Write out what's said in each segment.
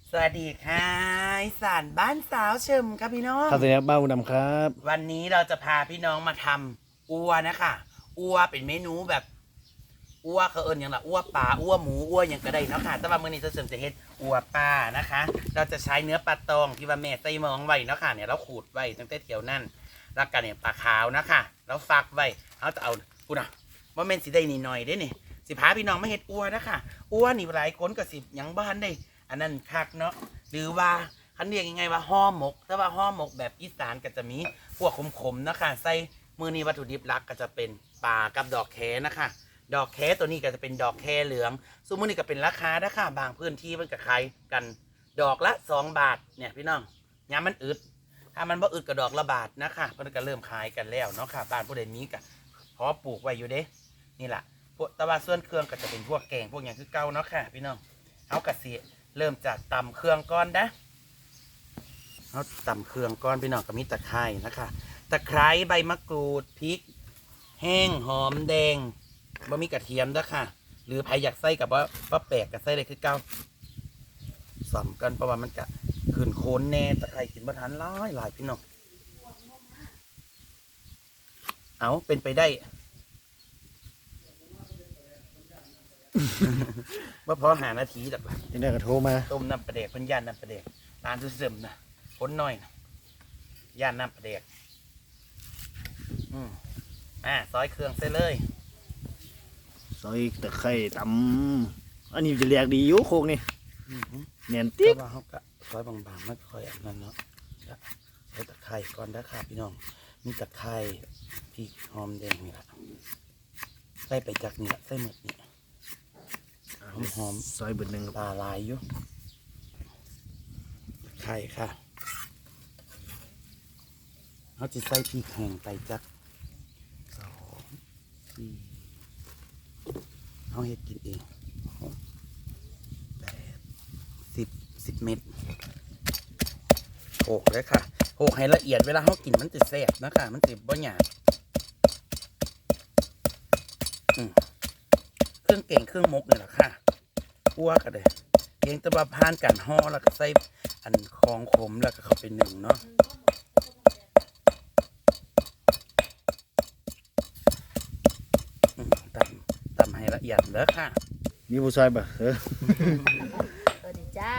สวัสดีค่ะอีสานบ้านสาวเชิมครับพี่น้องครับสวัสดีครับบ้านอุดมครับวันนี้เราจะพาพี่น้องมาทำอัวนะคะอัวเป็นเมนูแบบอัวเขาเอิญอย่างละอัวปลาอัวหมูอัวอย่างก็ได้เนาะค่ะแต่ว่ามื้อนี้จะเสริมจะเฮ็ดอัวปลานะคะ เราจะใช้เนื้อปลาตองที่ว่าแม่ใส่หมองไว้เนาะค่ะเนี่ยเราขูดไว้ตั้งแต่เที่ยวนั่นแล้วกันเนี่ยปลาขาวนะคะเราฟักไว้เราจะเอาพูดนะว่าแม่นสิได้นิดหน่อยได้นี่สิพาพี่น้องมาเฮ็ดอัวนะคะอัวนี่หลายคนก็สิยังบ้านได้อันนั้นคักเนาะหรือว่าคันเรียกยังไงว่าห่อหมกแต่ว่าห่อหมกแบบอีสานก็จะมีพวกขมๆนะคะใส่มือนี้วัตถุดิบหลักก็จะเป็นปลากับดอกแคนะคะดอกแคตัวนี้ก็จะเป็นดอกแคเหลืองซึ่งมือนี้ก็เป็นราคานะคะบางพื้นที่มันก็ขายกันดอกละ2 บาทเนี่ยพี่น้องยามมันอึดถ้ามันบ่อึดก็ดอกละบาทนะคะเพิ่นก็เริ่มขายกันแล้วเนาะค่ะบ้านผู้ใดมีก็พอปลูกไว้อยู่เด้นี่แหละพวกแต่ว่าส่วนเครื่องก็จะเป็นพวกแกงพวกอย่างคือเก่าเนาะค่ะพี่น้องเอากระเสียเริ่มจากตำเครื่องก้อนนะเอาตำเครื่องก้อนพี่น้องก็มีตะไคร้นะคะตะไคร้ใบมะกรูดพริกแห้งหอมแดงบะมีกระเทียมด้วยค่ะหรือใครอยากใส่กับว่าแปลกกับใส่เลยคือเก้าสอมกันเพราะว่ามันจะขึ้นโคนแน่ตะไคร้กินบะทานหลายพี่น้องเอาเป็นไปได้ว่าพอหานาทีแบบที่ได้กระโทรมาต้มน้ำปลาเด็กเพิ่นย่านน้ำปลาเด็กร้านทุเสริมนะพ้นน้อยนะย่านน้ำปลาเด็กซอยเครื่องใส่เลยซอยตะไคร้ตำอันนี้จะเรียกดีอยู่โคกนี่เนียนติ๊กว่าเขาก็ซอยบางๆไม่ค่อยอันนั้นเนาะใส่ตะไคร้ก่อนนะครับพี่น้องมีตะไคร้พริกหอมแดงนี่แหละใส่ไปจากนี่แหละใส่หมดนี่หอมซอยเบอร์หนึ่งตาลายอยู่ไข่ค่ะเขาจะใส่พริกแห้งไปจาก2 4เขาเฮ็ดกินเอง10 เม็ดโขกเลยค่ะโขกให้ละเอียดเวลาเขากินมันจะแซ่บนะคะมันจะบ่หยาบเครื่องเก่งเครื่องมกนี่แหละค่ะคั่วกันเลยเก่งตะบะพานกันห่อแล้วก็ใส่อันคองขมแล้วก็เข้าไปหนึ่งเนาะตำให้ละเอียดแล้วค่ะมีผู้ซอยป่ะสวัสดีจ้า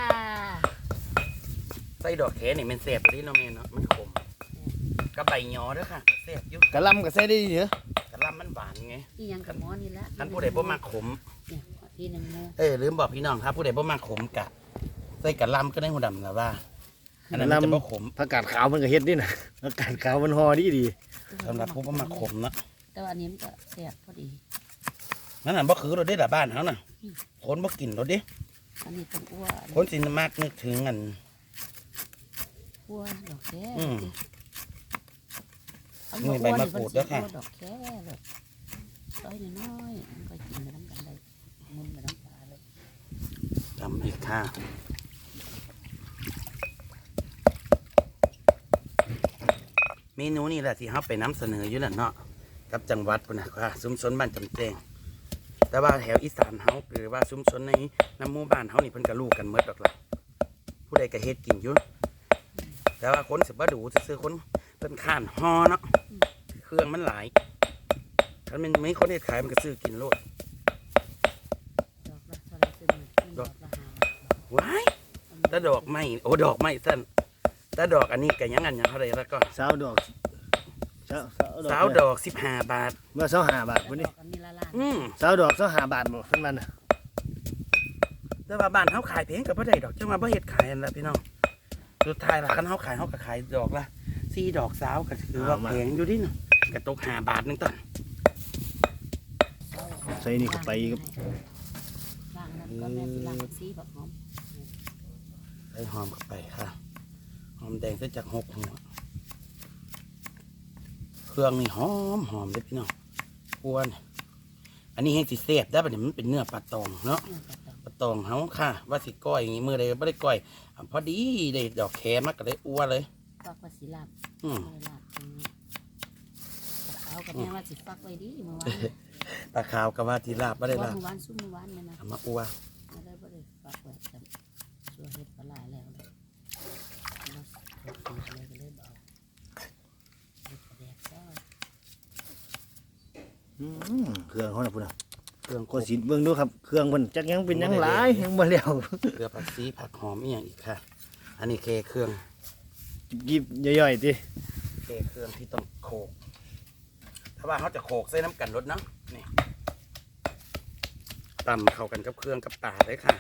ใส่ดอกแคนี่มันแซ่บที่น้องเมย์เนาะมันขมกับใบยอด้วยค่ะแซ่บยุ่กะลำก็ใส่ได้เหรอกระลำมันหวานไงที่ยังกับหมอนี่ละท่านผู้ใดบ่มาขมเนี่ยที่หนึ่งโมลืมบอกพี่น้องครับผู้ใดบ่มาขมกะใส่กระลำก็ได้หูดำนะว่าอันนั้นจะบ่ขมผักกาดขาวมันก็เฮ็ดนี่นะผักกาดขาวมันห่อดีสำหรับผู้บ่มาขมเนาะแต่ว่าอันนี้มันก็แซ่บพอดีนั่นน่ะบ่คือรถได้ละบ้านเขาน่ะคนบ่กินรถดิอันนี้ต้องอ้วนคนสิมากนึกถึงอันอ้วนดอกแค่นี่ใบมะกรูดด้วยค่ะดอกแค่เลยต้อยน้อยมันก็กินไปน้ำกันได้มุนไปน้ำปลาเลยทำอีกค่ะเมนูนี่แหละที่เขาไปนำเสนออยู่นั่นเนาะกับจังหวัดพุ่นนะค่ะชุมชนบ้านจำแจงแต่ว่าแถวอีสานเฮาหรือว่าชุมชนในน้ำหมู่บ้านเฮานี่เพิ่นก็รู้กันหมดดอกล่ะผู้ใดก็เฮ็ดกินอยู่แต่ว่าคนสิบ่ดูซื้อคนเพิ่นข้านฮอเนาะเครื่องมันหลายถ้ามันไม่คนเฮ็ดขายมันก็ซื้อกินโลดดอกละเท่าไรซื้อดอกละ5 ว้ายแต่ดอกไม้โอ้ดอกไม้สั้นแต่ดอกอันนี้ก็ยังอันยังเท่าไรแล้วก็สาวดอก 15 บาทเมื่อ25 บาทวันนี้สาวดอก25 บาทหมดขึ้นมาน่ะแต่ว่าบ้านเฮาขายแพงกับบ่ได้ดอกจังว่าบ่เฮ็ดขายอันละพี่น้องสุดท้ายล่ะคันเฮาขายเฮาก็ขายดอกละ4 ดอกสาวก็ถือว่าแพงอยู่ดิเนาะก็ตก5 บาทนึงต้นใส่นี่ก็ไปครับล้างนั้นก็แม่สิล้างซีแบบหอมใส่หอมเข้าไปค่ะหอมแดงใส่จาก6 หัวเครื่องนี่หอมเลยพี่น้องอ้วนอันนี้ให้สิเสียบได้ปะเนี่ยมันเป็นเนื้อปลาตองเนาะปลาตองเขาค่ะว่าสิก้อยอย่างนี้มือใดไม่ได้ก้อยพอดีได้ดอกแคมากก็ได้อ้วนเลยฟักว่าสิลาบลาบตรงนี้ตะขาวกับแม่ว่าสิฟักไว้ดีเมื่อวานตะขาวกับว่าที่ลาบไม่ได้ลาบเมื่อวานซุ่มเมื่อวานเนี่ยนะมาอ้วนไม่ได้ฟักไว้แต่ชัวเห็ดปลาไหลเครื่องเขาน่ะพุ่นน่ะเครื่องก็สิเบิ่งดูครับเครื่องมันจักยังเป็นยังหลายยังบ่แล้วเกลือผักชีผักหอมอีกอย่างอีกค่ะ อันนี้เครื่องยิบย่อยๆติเครื่องที่ต้องโขกถ้าว่าเขาจะโขกใส่น้ำกันรสเนาะนี่ตำเข้ากันกับเครื่องกับป่าเลยค่ะ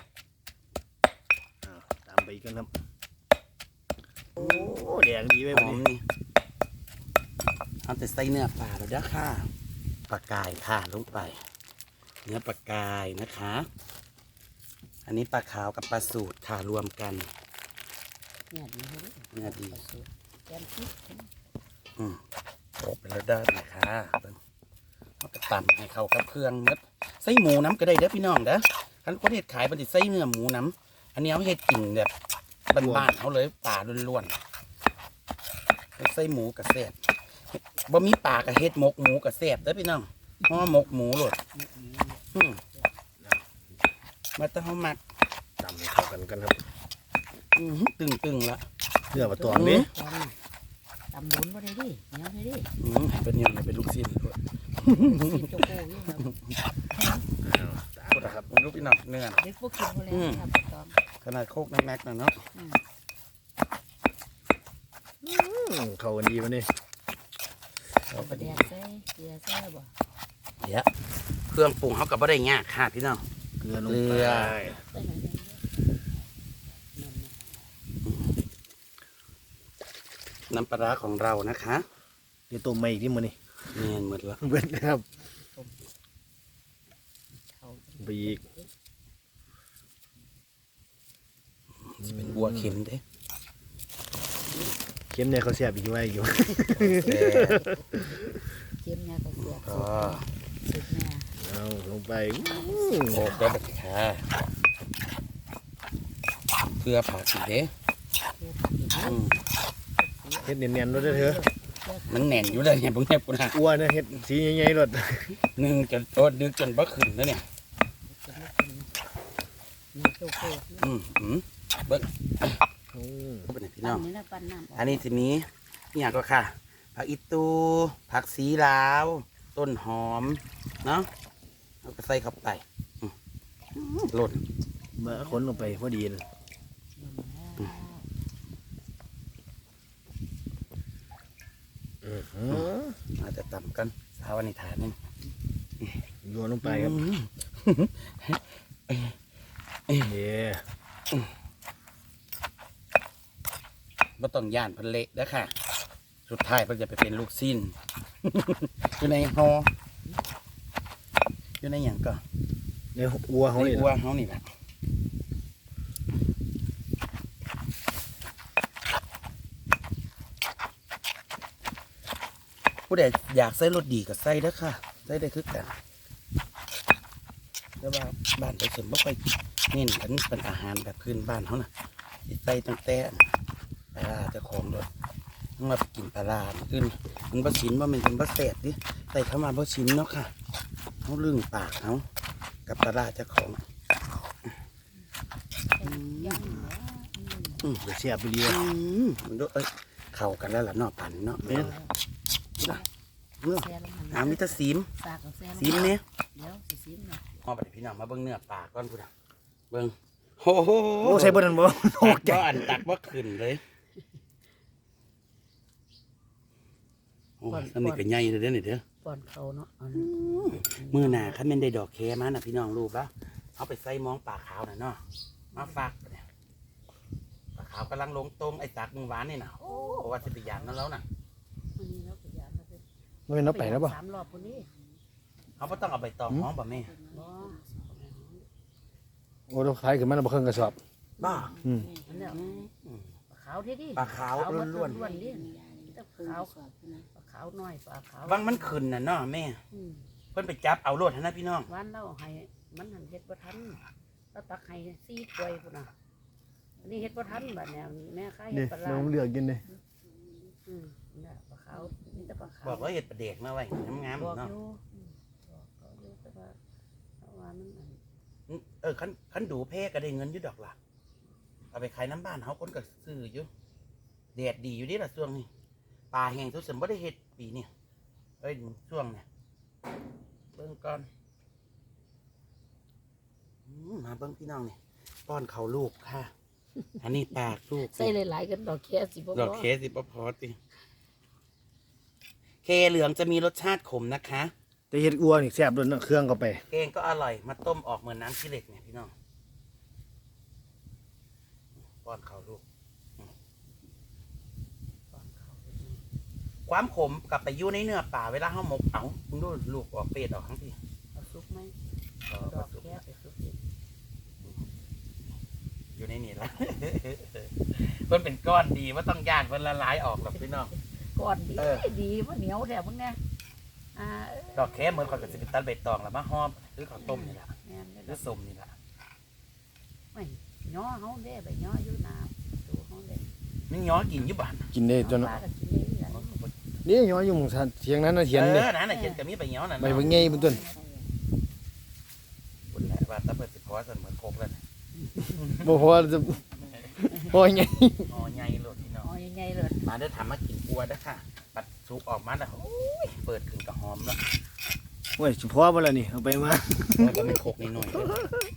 ตามไปอีกกันครับโอ้แดงดีไปหบัดอมนี้นี่เอาแต่ใส่เนื้อปลาแล้วเด้อค่ะปลากายค่ะลงไป เนื้อปลากายนะคะ อันนี้ปลาขาวกับปลาสูตรค่ะรวมกันเนี่ยดีเลยเนื้อดีแกมพริกโขกไปแล้วได้นะคะเอาไปตำให้เข้ากับเครื่องเนื้อใส่หมูน้ำก็ได้เด้อพี่น้องเด้อคันคนเห็ดขายมันจะใส่เนื้อหมูน้ำอันนี้เอาเห็ดกินแบบบ้านๆเขาเลยป่าล้วนๆใส่หมูกับแซ่บบ่มีป่ากับเห็ดหมกหมูกับแซ่บเด้อพี่น้องห่อหมกหมูโหลดมาต้องเอามักตำให้เข้ากันกันครับตึงละเนื้อปลาตองนี่ตำบุญบ่ได้ดิเหนียวได้ดิเป็นยังไงเป็นลูกชิ้นด้วยสิโจโก้อยู่ครับกดนะครับเป็นลูกพี่น้องเนื้อเด็กพวกกินบ่แล้วครับตอมขนาดโคกน้ำแม็กนะเนาะเข้ากันดีมันนี่เราก็แดดีดใส่เกลือใส่บ่เดี๋ยวเครื่องปรุงเขากับบ่ได้ยากค่ะพี่น้องเกลือลงเกลืไปอใส่หน่อยนึงนั่นน้ำปลาร้าของเรานะคะเดี๋ยวต้มใหม่อีกที่มันนี่เนียนหมดละเบิดนะครับเขาไปอีกจะเป็นบัวเข็มเด้เค็มเนี่ยเขาเสียบอีกไว้อยู่แซ่บเค็มเนี่ยก็เสียบก็สุดแม่เอาลงไปโคกได้แบบค่ะเกลือผักอีกเด้อืมเฮ็ดเนียนๆรถเด้อเถอะมันแน่นอยู่เลยเนี่ยพวกเนี้ยปุ่นฮะอ้วนนะเฮ็ดสีใหญ่ๆรถนึ่งจนโตดึกจนบ่ขึ้นแล้วเนี่ยมีโจโก้เบิ้งโอ้เป็นไงพี่น้น้องนี่นะปั้นน้ำอันนี้จะมีอหย่างก็ค่ะผักอีตูผักสีลาว ต้นหอมเนาะเอาไปใส่เข้าไปหล่นมาขนลงไปพอดีเลยอื้อหืออาจจะต่ำกันสาวนิทานนี่โยนลงไปครับเย่ไม่ต้องย่านพันเละแล้วค่ะ สุดท้ายมันจะไปเป็นลูกสิ้น อยู่ในหออยู่ในอย่างก็ในอัวเขาในนี่อัวเขานี่แหละผู้ใดอยากใส่รสดีก็ใส่เด้อค่ะใส่ได้คือกันแต่ว่าบ้านไปสมไม่ค่อยเน้นกันเป็นอาหารแบบพื้นบ้านเขาน่ะสิใส่ตั้งแต่ปลาร้าเจะของรสต้องมากินปลาร้าอื่นมันบ่ชินว่ามันเป็นบ่แสบดิใส่เข้ามาบ่ชินเนาะค่ะเขาลึงปากเขากับปลาร้าเจ้าของย่างเดี๋ยวเสียบไปเรียมันดูเข้ากันแล้วล่ะเนาะปั่นเนาะแม่นแซ่ลงน้ำมิตรซีมสากกับแซ่ลงซีมเนี่ยเดี๋ยวสิซีมเนาะพอไปพี่น้องมาเบิ้งเนื้อปลาก่อนพูดอ่ะเบิ้งโอ้โหโอ้ใส่เบอร์นั้นบ่โอ้ตักใจว่าอันตักว่าขึ้นเลยโอ้ยอันนี้ก็ใหญ่เลยเด้อนี่เด้อป้อนเขาเนาะมือหนาคันแม่นได้ดอกแคมาน่ะพี่น้องรู้ปะเอาไปใส่มองปลาขาวน่ะเนาะมาฝากเนี่ยปลาขาวกำลังลงตรงไอ้ตักมึงหวานนี่น่ะโอ้ว่าจะไปยานนั่นแล้วน่ะวันนี้เราก็ยานเราไปมันเป็นน้ำไปแล้วบ่ 3 รอบคนนี้เขาไม่ต้องเอาใบตองห้องป่ะแม่บ่โอ้เราขายขึ้นมาแล้วบ่เครื่องกระสอบบ้าอืมอันเนี้ยปลาขาวที่ดิปลาขาวล้วนๆดิแต่ขาวปลาขาวน้อยปลาขาวๆบางมันขึ้นน่ะเนาะแม่ เพิ่นไปจับเอาโลดให้นะพี่น้องวันเราให้มันหันเฮ็ดบ่ทันเราตักให้4ถ้วยพุ่นน่ะอันนี้เฮ็ดบ่ทันบัดเนี่ยแม่ค้าเฮ็นี่ดปลาน้องเลือกกินเลยเนี่ยปลาขาวมีแต่ปลาขาวบอกว่าเห็ดประเดกมาไว้งามบอกๆเนาะอยู่บอกเขาอยู่แต่ว่ามันอันคันดูเพ่ก็ได้เงินอยู่ดอกล่ะเอาไปขายน้ำบ้านเขาคนก็ซื้ออยู่แดดดีอยู่ดิล่ะช่วงนี้ปลาแห้งทุกสิ่งบ่ได้เห็ดปีนี่เอ้ยช่วงเนี่ยบิ่งก่อนมาเบิ่งพี่น้องนี่ป้อนเขาลูกค่ะ อันนี้ปากลูกใส่หลายๆกันดอกแค่สิบ่ดอกเคสสิบ่พอติเคเหลืองจะมีรสชาติขมนะคะแต่เฮ็ดอัวนี่แซ่บด้วยนะเครื่องเข้าไปแกงก็อร่อยมาต้มออกเหมือนน้ำขี้เหล็กเนี่ยพี่น้องป้อนเขาลูกความขมกลับไปอยู่ในเนื้อป่าเวลาเขาหมกเอามึงดูลูกออกเป็ดออกทั้งทีเอาซุปไหมเอาดอกแค่ไปซุปดิอยู่ในนี่ละ เพิ่นเป็นก้อนดีว่าต้องย่านเพิ่นละลายออกหรอกพี่น้องก่อนดีเออดีว่าเหนียวแถวมึงเนี่ยเอ้ยดอกแค่เหมือนเขากับสิบตันใบตองแล้วมาหอมหรือข้าวต้มนี่แหละแม่นเลยหรือส้มนี่แหละไม่ย่อเฮาเด้ไปย่ออยู่น้ำดูเฮาเด้นี่ย้อนกินอยู่บ้านกินได้จนปลาก็กินได้เหมือนกันนี่ย้อนอยู่หมู่เถียงนั้นน่ะเถียงเอเด้อนั่นน่ะเห็นกับมีใบย้อนน่ะใบบ่ใหญ่เพิ่นต้นคุณแหละว่าแตะเปิดสิพอสันเหมือนโคกแล้วนะบ่พอจะพอใหญ่อ๋อใหญ่โลดพี่น้องอ๋อยังไงเลยมาเด้อทำมากินอัวเด้อค่ะ ปัดซุปออกมาแล้วโอ้ยเปิดขึ้นกับหอมแล้วโอ้ยสิพอบ่ล่ะนี่เอาไปมาแล้วก็ไม่โคกนิดหน่อยเด้อ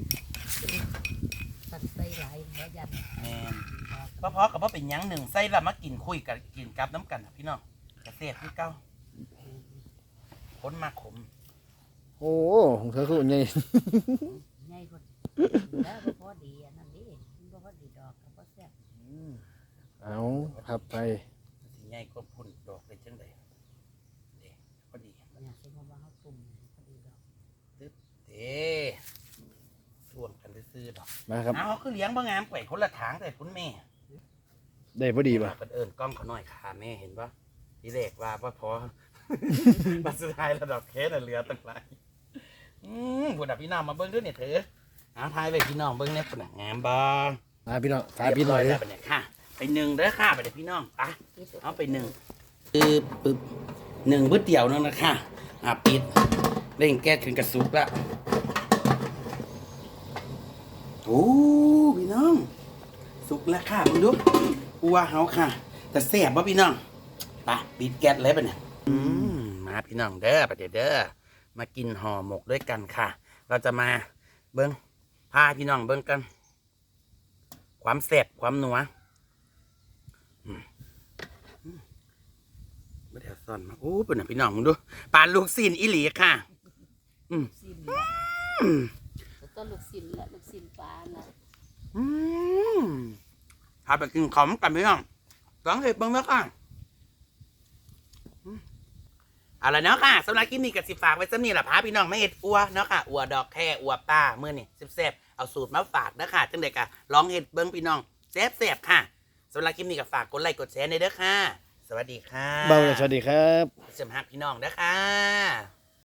สัตว์ใส่หลายหัวยันแม่นเพราะกับว่าเป็นหยังหนึ่งไส้ละมากินคุยกันกินกับน้ำกันน่ะพี่น้องกระเสียบคือเก้าค้นมาขมโอ้ของเธอคือใหญ่ใหญ่คนแล้วบ่พอดีอันนั้นดิมันบ่พอดีดอกก็บ่แซ่บเอาครับไปสิใหญ่ก็พุ่นดอกเลยจังไดเด้พอดีเนี่ยสิว่าเฮาตุ่มพอดีดอกเด้ท่วงกันซื่อๆดอกมาครับเอาคือเลี้ยงบ่งามไกวคนละถางแต่คุณแม่ได้พอดีป่ะเปิดเอิญกล้องเขาหน่อยค่ะแม่เห็นปะทีแรกว่าพอ บัดสุดท้ายระดับเคสน่ะเหลือตั้งหลายผู้ดับพี่น้องมาเบิ้งด้วยเนี่ยเถอะเอาทายไปพี่น้องเบิ้งเนี่ยผู้ดับงามบ่มาพี่น้องฝากพี่หน่อยเรีเด้บอร้แล้วบัดเนี่ยค่ะ ไปหนึ่งเด้อค่ะไปเดี๋ยวพี่น้องไปเอาไปหนึ่งปึ๊บหนึ่งบึ้ดเดี่ยวนึงนะค่ะปิดเร่งแก๊สขึ้นกระสุกละโอ้พี่น้องสุกแล้วค่ะมึงดูอัวเฮาค่ะ แต่แซ่บป่ะพี่น้องไปปิดแก๊สเลยปะเนี่ยมาพี่น้องเด้อไปเด้อมากินห่อหมกด้วยกันค่ะ เราจะมาเบิ้งพาพี่น้องเบิ้งกัน ความแซ่บความนัวไม่ได้ซ่อนมาโอ้เป็นพี่น้องมึงดูปลาลูกซีนอีหลีค่ะสิ้นต้นลูกสิ้นและลูกสิ้นปลาน่ะพาไปกินของกันพี่น้องลองเห็ดเบิ้งแล้วค่ะเอาละเนาะค่ะสำหรับคลิปนี้กับสิฝากไว้สำนีแหละพาพี่น้องไม่เห็ดอัวเนาะค่ะอัวดอกแค่อัวป้าเมื่อนี่แซ่บๆเอาสูตรมาฝากนะค่ะจังเด็กอะลองเห็ดเบิ้งพี่น้องแซ่บๆค่ะสำหรับคลิปนี้กับฝากกดไลค์กดแชร์ในเด้อค่ะ สวัสดีค่ะเบาเลยสวัสดีครับเสริมฮักพี่น้องเด้อค่ะ